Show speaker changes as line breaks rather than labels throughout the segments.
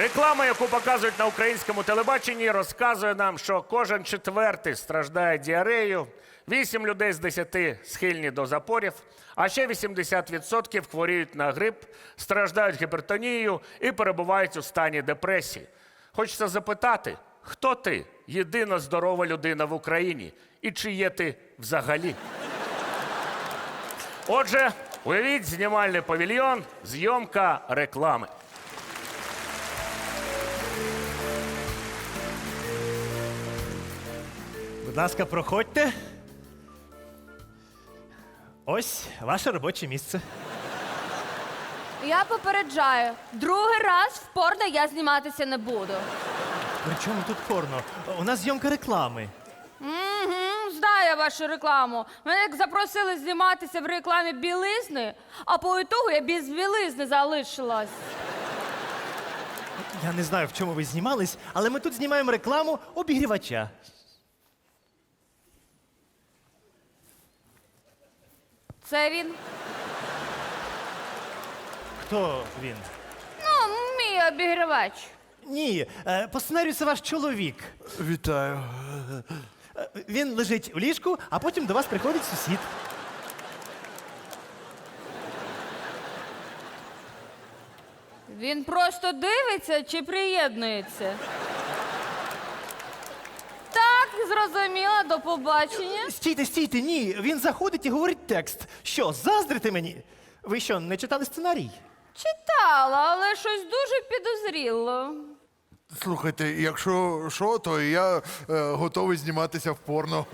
Реклама, яку показують на українському телебаченні, розказує нам, що кожен четвертий страждає діареєю, 8 людей з 10 схильні до запорів, а ще 80% хворіють на грип, страждають гіпертонією і перебувають у стані депресії. Хочеться запитати, хто ти, єдина здорова людина в Україні, і чи є ти взагалі? Отже, уявіть знімальний павільйон, зйомка реклами.
Будь ласка, проходьте. Ось ваше робоче місце.
Я попереджаю, другий раз в порно я зніматися не буду.
При чому тут порно? У нас зйомка реклами.
Знаю я вашу рекламу. Мене як запросили зніматися в рекламі білизни, а по ітогу я без білизни залишилась.
Я не знаю, в чому ви знімались, але ми тут знімаємо рекламу обігрівача.
Це він?
Хто він?
Ну, мій обігрівач.
Ні, по сценарію це ваш чоловік.
Вітаю.
Він лежить в ліжку, а потім до вас приходить сусід.
Він просто дивиться чи приєднується? Так, зрозуміла, до побачення.
Стійте, стійте, ні. Він заходить і говорить текст. Що, заздрите мені? Ви що, не читали сценарій?
Читала, але щось дуже підозріло.
Слухайте, якщо що, то я готовий зніматися в порно.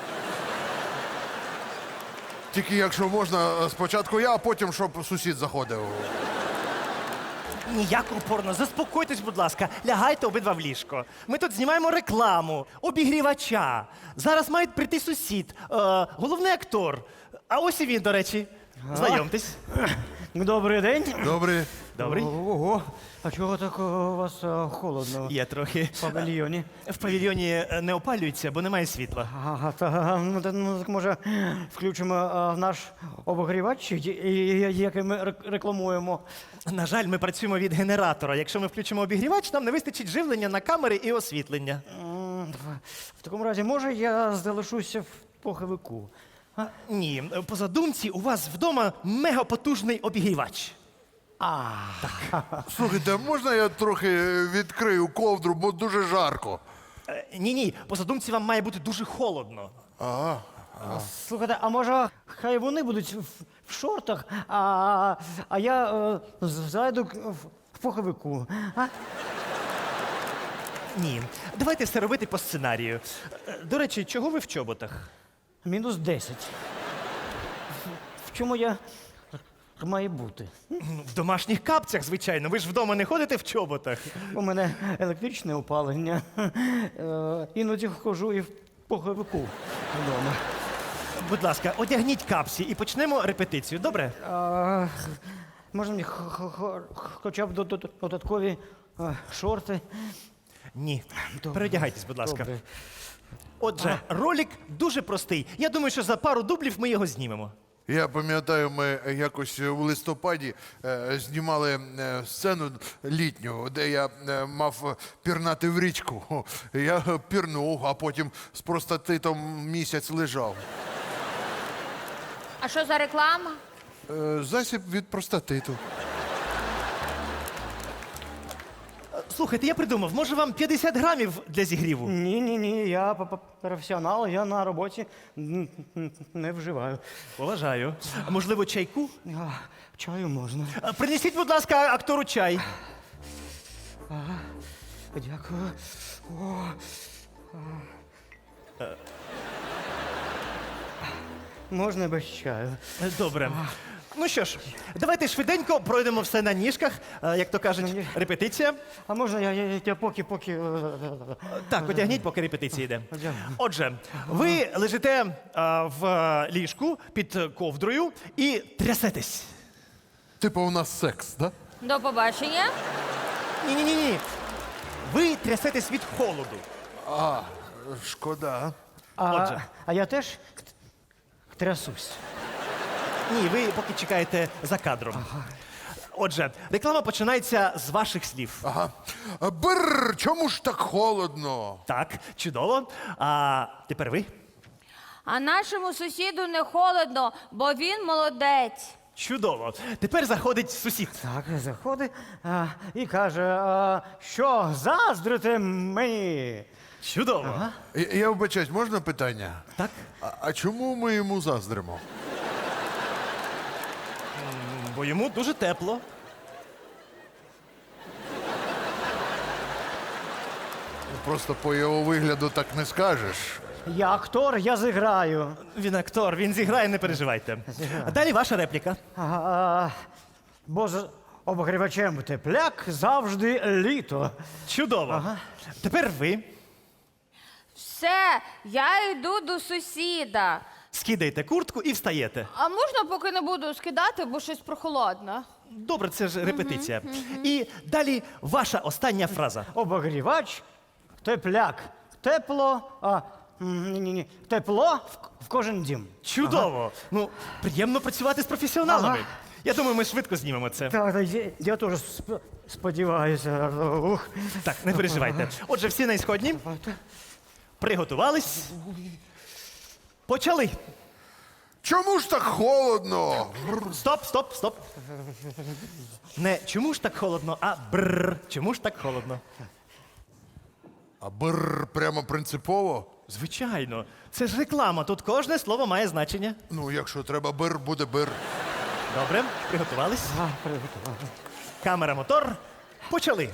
Тільки якщо можна, спочатку я, а потім, щоб сусід заходив.
Ніякого порно. Заспокойтесь, будь ласка. Лягайте обидва в ліжко. Ми тут знімаємо рекламу, обігрівача. Зараз має прийти сусід, головний актор. А ось і він, до речі. Знайомтесь.
Добрий день.
Добре.
Добрий.
Ого, а чого так у вас холодно
Є трохи.
в павільйоні?
В павільйоні не опалюється, бо немає світла.
Ага, ну, так може включимо наш обогрівач, який ми рекламуємо.
На жаль, ми працюємо від генератора. Якщо ми включимо обігрівач, нам не вистачить живлення на камери і освітлення.
В такому разі, може, я залишуся в поховику?
Ні, по задумці у вас вдома мегапотужний обігрівач.
Слухайте, можна я трохи відкрию ковдру, бо дуже жарко.
Ні, по задумці вам має бути дуже холодно.
Слухайте, а може, хай вони будуть в шортах, а я зайду в поховику?
Ні, давайте все робити по сценарію. До речі, чого ви в чоботах?
Мінус 10. В чому я маю бути?
В домашніх капцях, звичайно. Ви ж вдома не ходите в чоботах.
У мене електричне опалення. Іноді хожу і в поховику вдома.
Будь ласка, одягніть капці і почнемо репетицію, добре?
Можна мені хоча б додаткові шорти?
Ні.
Добре.
Переодягайтесь, будь ласка.
Добре.
Отже, ролик дуже простий. Я думаю, що за пару дублів ми його знімемо.
Я пам'ятаю, ми якось у листопаді знімали сцену літню, де я мав пірнати в річку. Я пірнув, а потім з простатитом місяць лежав.
А що за реклама?
Засіб від простатиту.
Слухайте, я придумав, може вам 50 грамів для зігріву?
Ні, я професіонал, я на роботі не вживаю.
Поважаю. А можливо, чайку?
Чаю можна.
Принесіть, будь ласка, актору чай.
Дякую. Можна без чаю.
Добре. Ну що ж, давайте швиденько пройдемо все на ніжках, як то кажуть, репетиція.
А можна я поки.
Так, одягніть, поки репетиція йде.
Одягну.
Отже, ви лежите в ліжку під ковдрою і трясетесь.
Типу у нас секс, да?
До побачення.
Ні. Ви трясетесь від холоду.
Шкода.
Отже.
А я теж трясусь.
Ні, ви поки чекаєте за кадром. Отже, реклама починається з ваших слів.
Ага. Бррр, чому ж так холодно?
Так, чудово. А тепер ви.
А нашому сусіду не холодно, бо він молодець.
Чудово. Тепер заходить сусід.
Так, заходить і каже, що заздрите мені?
Чудово.
Я вибачаюсь, можна питання?
Так.
А чому ми йому заздримо?
Бо йому дуже тепло.
Просто по його вигляду так не скажеш.
Я актор, я зіграю.
Він актор, він зіграє, не переживайте. А далі ваша репліка.
Бо з обогрівачем тепляк завжди літо.
Чудово. Тепер ви
Все, я йду до сусіда.
скидаєте куртку і встаєте.
А можна поки не буду скидати, бо щось прохолодно.
Добре, це ж репетиція. І далі ваша остання фраза.
Обогрівач, тепляк, тепло, ні. Тепло в кожен дім.
Чудово. Ну, приємно працювати з професіоналами.
Ага.
Я думаю, ми швидко знімемо це.
Так, я теж сподіваюся. Ух.
Так, не переживайте. Отже, всі на ісходні. Приготувались. Почали.
Чому ж так холодно?
Стоп. Не чому ж так холодно, а бррр. Чому ж так холодно?
А бррр прямо принципово?
Звичайно. Це ж реклама. Тут кожне слово має значення.
Ну, якщо треба бир, буде бир.
Добре, приготувались. Камера, мотор. Почали.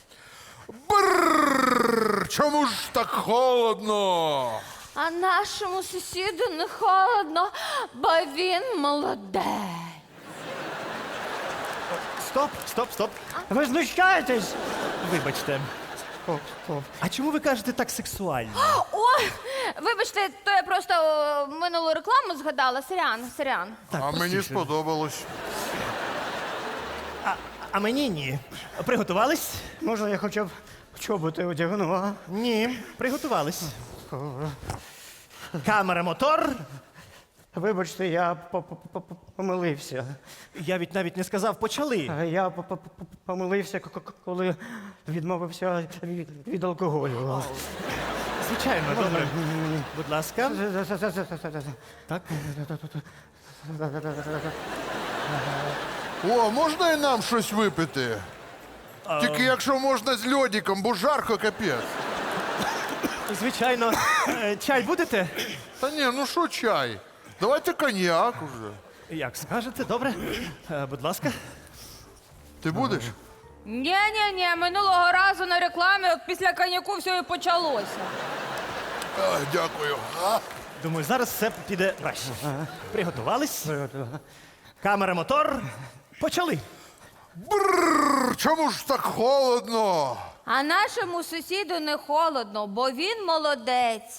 Бррр, чому ж так холодно?
А нашому сусіду не холодно, бо він молодець.
Стоп.
Ви знущаєтесь?
Вибачте. А чому ви кажете так сексуально?
Ой, вибачте, то я просто минулу рекламу згадала. Сорян.
А мені сподобалось.
А мені ні. Приготувались?
Можна я хоча б чоботи одягну, а?
Ні. Приготувались. Камера, мотор.
Вибачте, я помилився.
Я навіть не сказав почали.
Я помилився, коли відмовився від алкоголю.
Звичайно, добре. Будь ласка. Так.
О, можна і нам щось випити? Тільки якщо можна з льодиком, бо жарко капець.
Звичайно. Чай будете?
Та ні, ну що чай? Давайте коньяк уже.
Як скажете, добре. Будь ласка.
Ти будеш?
Ні, минулого разу на рекламі от після коньяку все і почалося.
Дякую.
Думаю, зараз все піде краще. Приготувались? Камера, мотор. Почали.
Бррр, чому ж так холодно?
А нашому сусіду не холодно, бо він молодець.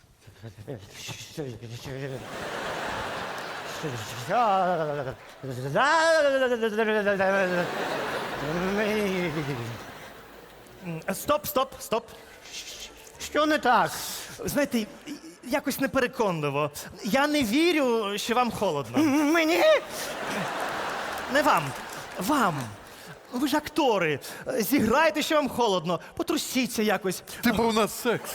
Стоп.
Що не так?
Знаєте, якось непереконливо. Я не вірю, що вам холодно.
Мені?
Не вам. Вам. Ви ж актори. Зіграйте, що вам холодно. Потрусіться якось.
Типу у нас секс.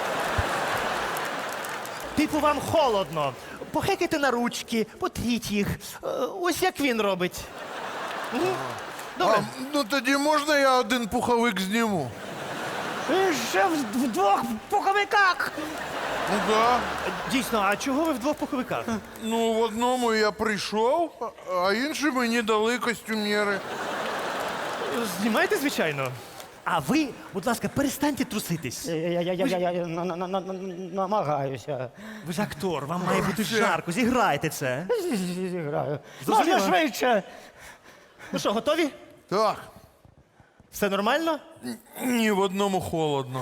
Типу вам холодно. Похекайте на ручки, потріть їх. Ось як він робить. Добре.
Ну тоді можна я один пуховик зніму?
Ще в двох пуховиках.
Ну да.
Дійсно, а чого ви в двох пуховиках?
Ну, в одному я прийшов, а інший мені дали костюмєри.
Знімайте, звичайно. А ви, будь ласка, перестаньте труситись.
Я намагаюся.
Ви ж актор, вам має бути жарко. Зіграйте це.
Зіграю.
Зрозуміло.
Можна швидше.
Ну що, готові?
Так.
Все нормально?
Ні, в одному холодно.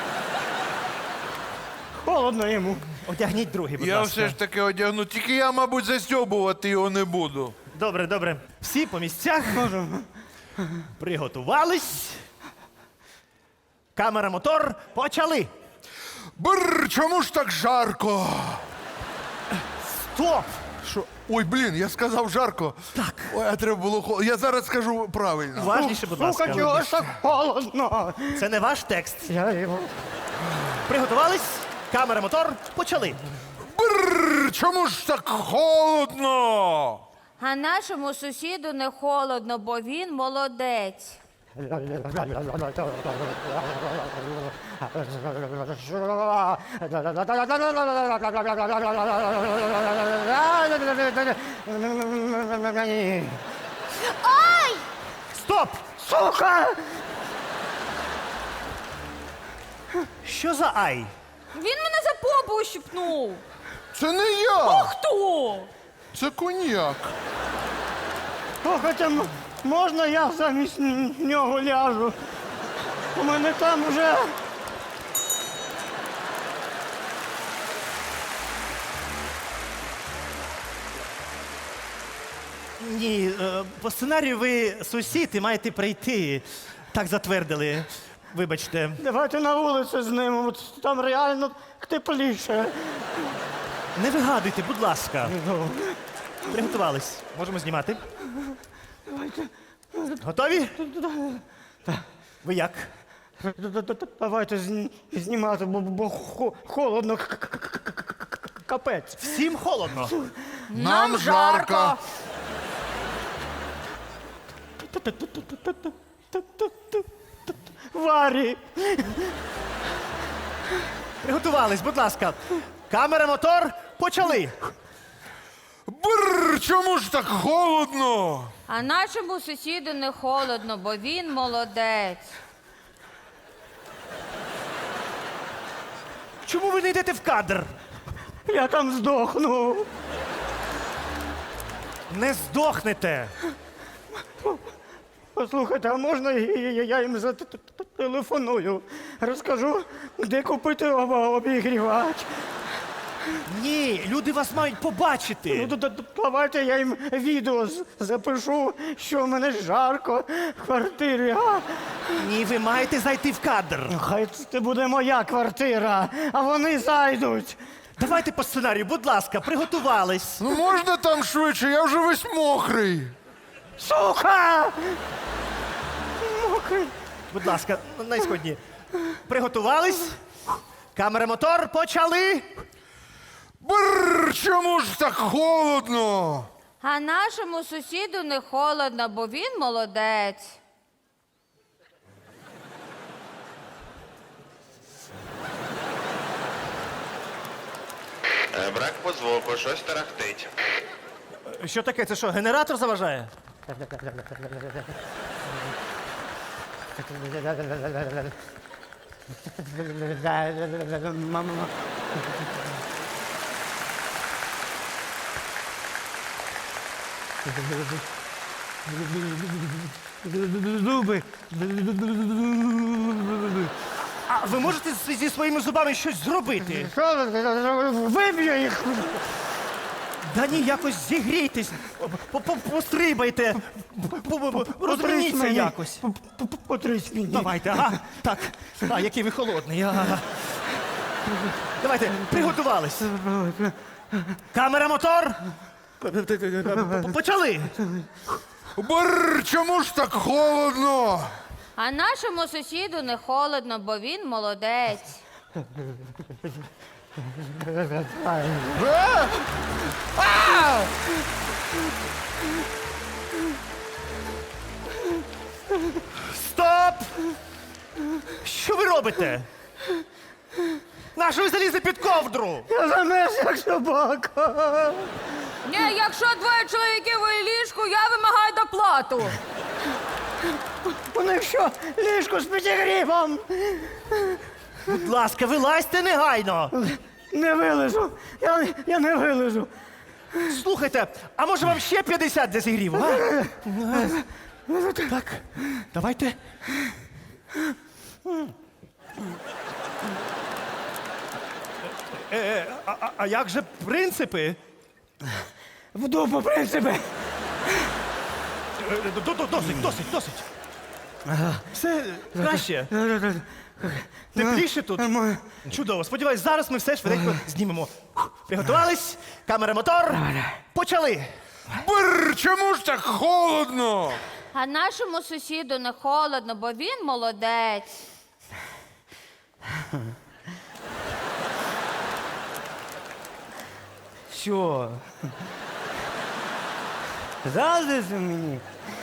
Холодно йому.
Одягніть другий, будь
Я
ласка.
все ж таки одягну, тільки я, мабуть, застьобувати його не буду.
Добре. Всі по місцях. Приготувались. Камера, мотор. Почали.
Бррр, чому ж так жарко?
Стоп!
Що? Ой, блін, я сказав жарко. Так. Ой, а треба було холодно. Я зараз скажу правильно.
Уважніше, будь
Сука,
ласка.
чого ж так холодно?
Це не ваш текст.
Я його...
Приготувались? Камера, мотор, почали.
Бррр, чому ж так холодно?
А нашому сусіду не холодно, бо він молодець.
Стоп!
Сука!
Що за ай?
Він мене за попу ущипнув.
Це не я,
Хто?
це коньяк.
Слухайте, можна я замість нього ляжу? У мене там вже...
Ні, по сценарію ви сусід і маєте прийти. Так затвердили. Вибачте.
Давайте на вулицю з ним, от там реально тепліше.
Не вигадуйте, будь ласка. Приготувались. Можемо знімати. Готові? Ви як?
Давайте знімати, бо холодно, капець.
Всім холодно.
Нам жарко.
Варі!
Приготувались, будь ласка. Камера, мотор, почали.
Бррр, чому ж так холодно?
А нашому сусіду не холодно, бо він молодець.
Чому ви не йдете в кадр?
Я там здохну.
Не здохнете.
Послухайте, а можна я їм зателефоную? Розкажу, де купити обігрівач.
Ні, люди вас мають побачити.
Ну, давайте я їм відео запишу, що в мене жарко в квартирі. А?
Ні, ви маєте зайти в кадр.
Хай це буде моя квартира, а вони зайдуть.
Давайте по сценарію, будь ласка, приготувались.
Ну можна там швидше, я вже весь мокрий.
Сука! Мокрий.
Будь ласка, найсходні. Приготувались? Камера, мотор, почали.
Бррр, чому ж так холодно?
А нашому сусіду не холодно, бо він молодець.
Брак по звуку, щось тарахтить.
Що таке? Це що, генератор заважає?
Зуби.
А ви можете зі своїми зубами щось зробити?
Що ви? Виб'ю їх.
Да ні, якось зігрійтесь, пострибайте, розверніться
мені.
якось.
Потрись мені.
Давайте, ага. Так, а який ви холодний. Ага. Давайте, приготувались. Камера, мотор. Почали.
Бррр, чому ж так холодно?
А нашому сусіду не холодно, бо він молодець.
Стоп! Що ви робите? Нащо ви залізли під ковдру?
Я замерз, як собака.
Ні, якщо двоє чоловіків у ліжку, я вимагаю доплату.
У них що, ліжко з підігрівом?
Будь ласка, вилазьте негайно.
Не вилежу. Я не вилежу.
Слухайте, а може вам ще 50 для зігріву, а? Так, давайте. А як же принципи?
В дупу, принципи.
Досить. Все краще. Тепліше тут. Чудово. Сподіваюсь, зараз ми все швиденько знімемо. Приготувались? Камера, мотор. Почали.
Бррр, чому ж так холодно?
А нашому сусіду не холодно, бо він молодець.
Що? Заздрите мені?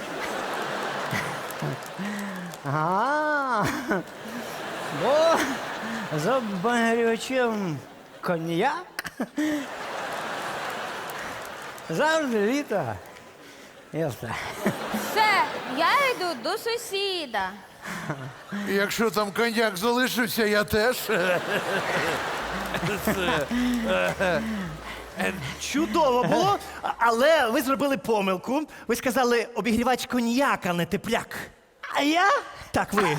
Ага. Бо за обігрівачем коньяк. Завжди літо. Ясно.
Все, я йду до сусіда.
Якщо там коньяк залишився, я теж.
Чудово було, але ви зробили помилку. Ви сказали обігрівач коньяк, а не тепляк.
А я?
Так, ви.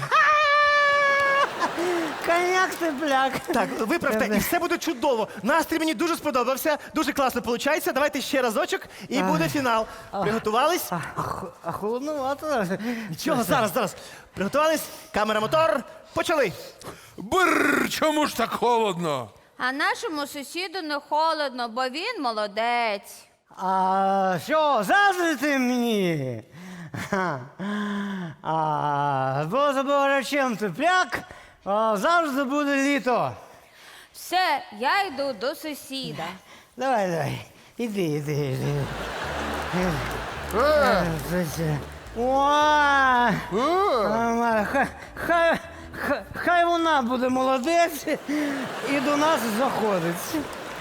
Коньяк тепляк.
Так, виправте, і все буде чудово. Настрій мені дуже сподобався, дуже класно виходить. Давайте ще разочок і буде фінал. Приготувались?
А холодновато.
Нічого, зараз. Приготувались? Камера, мотор. Почали.
Бррр, чому ж так холодно?
А нашому сусіду не холодно, бо він молодець.
А що, заздрите мені? Бо за богачем тепляк, завжди буде літо.
Все, я йду до сусіда.
Давай. Іди. Хай вона буде молодець і до нас заходить.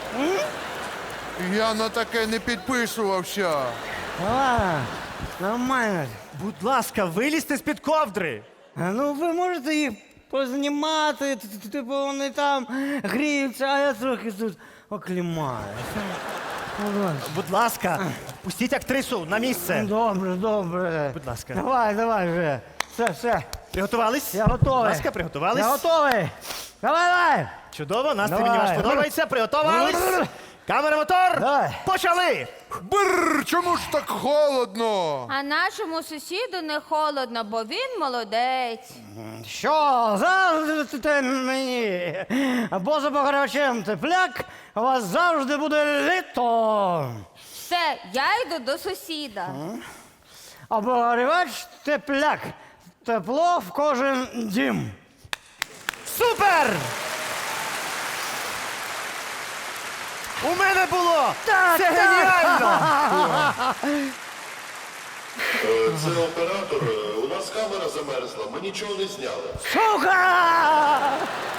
Я на таке не підписувався.
Нормально.
Будь ласка, вилізьте з-під ковдри.
Ну, ви можете їх познімати, типу вони там гріються, а я трохи тут оклімаю.
Будь ласка, пустіть актрису на місце.
Добре.
Будь ласка.
Давай вже. Все.
Приготувались?
Я готовий.
Будь ласка, приготувались?
Я готовий. Давай.
Чудово, настрій
Давай.
мені ваш подобається. Приготувались? Камера, мотор.
Давай.
Почали.
Бррр, чому ж так холодно?
А нашому сусіду не холодно, бо він молодець.
Що, заздрите мені? Бо за пограчем тепляк, у вас завжди буде літо.
Все, я йду до сусіда.
Обогрівач тепляк. Тепло в кожен дім.
Супер! У мене було! Це геніально!
Це оператор. У нас камера замерзла, ми нічого не зняли.
Сука!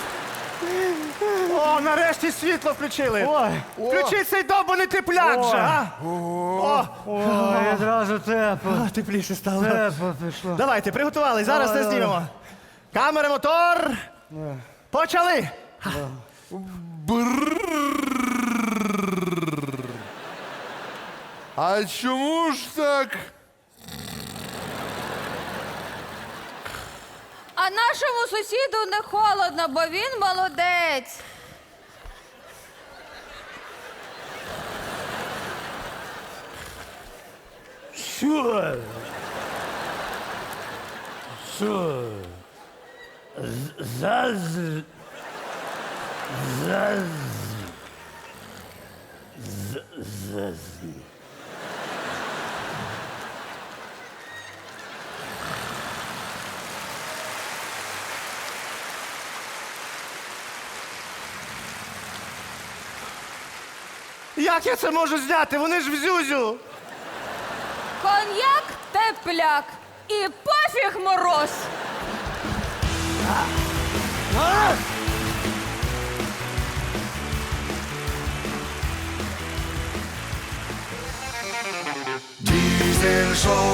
О, нарешті світло включили!
Ой.
Включіть цей довбаний тепляк
Ой.
же, а!
Ой, одразу тепло.
Тепліше стало.
Тепло пішло.
Давайте, приготували, зараз
Давай,
не знімемо. Камера, мотор. Почали!
Бррр. А чому ж так?
А нашому сусіду не холодно, бо він молодець.
Що?
Як я це можу зняти? Вони ж в зюзю!
Коньяк тепляк і пофіг мороз.
Diesel Show.